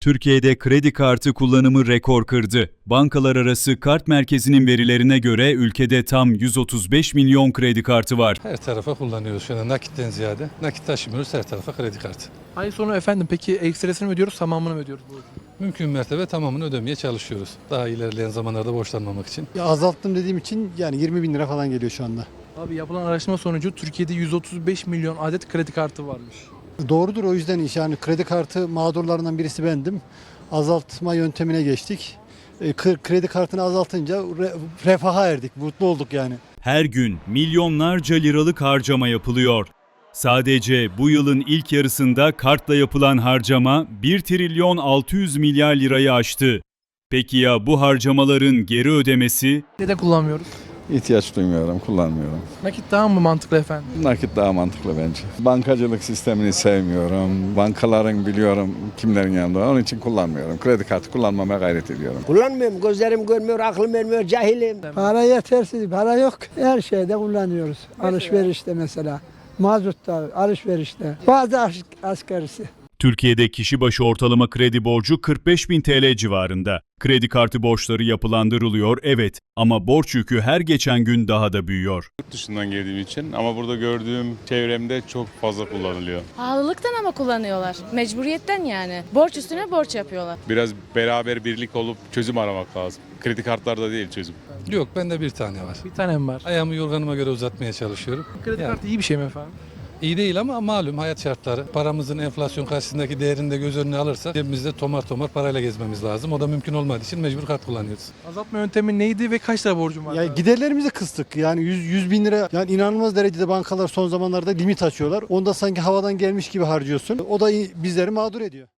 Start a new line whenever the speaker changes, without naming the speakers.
Türkiye'de kredi kartı kullanımı rekor kırdı. Bankalar arası kart merkezinin verilerine göre ülkede tam 135 milyon kredi kartı var.
Her tarafa kullanıyoruz şu anda nakitten ziyade. Nakit taşımıyoruz, her tarafa kredi kartı.
Ay sonu efendim peki ekstresini mi ödüyoruz, tamamını mı ödüyoruz?
Mümkün mertebe tamamını ödemeye çalışıyoruz. Daha ilerleyen zamanlarda borçlanmamak için.
Ya azalttım dediğim için yani 20 bin lira falan geliyor şu anda.
Abi yapılan araştırma sonucu Türkiye'de 135 milyon adet kredi kartı varmış.
Doğrudur, o yüzden yani kredi kartı mağdurlarından birisi bendim. Azaltma yöntemine geçtik. Kredi kartını azaltınca refaha erdik, mutlu olduk yani.
Her gün milyonlarca liralık harcama yapılıyor. Sadece bu yılın ilk yarısında kartla yapılan harcama 1 trilyon 600 milyar lirayı aştı. Peki ya bu harcamaların geri ödemesi?
Neden kullanmıyoruz?
İhtiyaç duymuyorum, kullanmıyorum.
Nakit daha mı mantıklı efendim?
Nakit daha mantıklı bence. Bankacılık sistemini sevmiyorum. Bankaların biliyorum kimlerin yanında. Onun için kullanmıyorum. Kredi kartı kullanmamaya gayret ediyorum.
Kullanmıyorum. Gözlerim görmüyor, aklım vermiyor, cahilim.
Para yetersiz, para yok. Her şeyde kullanıyoruz. Alışverişte mesela, mazutta, alışverişte, bazı askerisi.
Türkiye'de kişi başı ortalama kredi borcu 45 bin TL civarında. Kredi kartı borçları yapılandırılıyor, evet, ama borç yükü her geçen gün daha da büyüyor.
Yurt dışından geldiğim için ama burada gördüğüm çevremde çok fazla kullanılıyor.
Pahalılıktan ama kullanıyorlar. Mecburiyetten yani. Borç üstüne borç yapıyorlar.
Biraz beraber birlik olup çözüm aramak lazım. Kredi kartlarda değil çözüm.
Yok, bende bir tane var.
Bir tanem var.
Ayağımı yorganıma göre uzatmaya çalışıyorum.
Kredi
Yani
kartı iyi bir şey mi efendim?
iyi değil ama malum hayat şartları. Paramızın enflasyon karşısındaki değerini de göz önüne alırsak cebimizde tomar tomar parayla gezmemiz lazım. O da mümkün olmadığı için mecbur kart kullanıyoruz.
Azaltma yöntemi neydi ve kaç lira borcum var?
Ya giderlerimizi kıstık. Yani 100 bin lira, yani inanılmaz derecede bankalar son zamanlarda limit açıyorlar. Onda sanki havadan gelmiş gibi harcıyorsun. O da bizleri mağdur ediyor.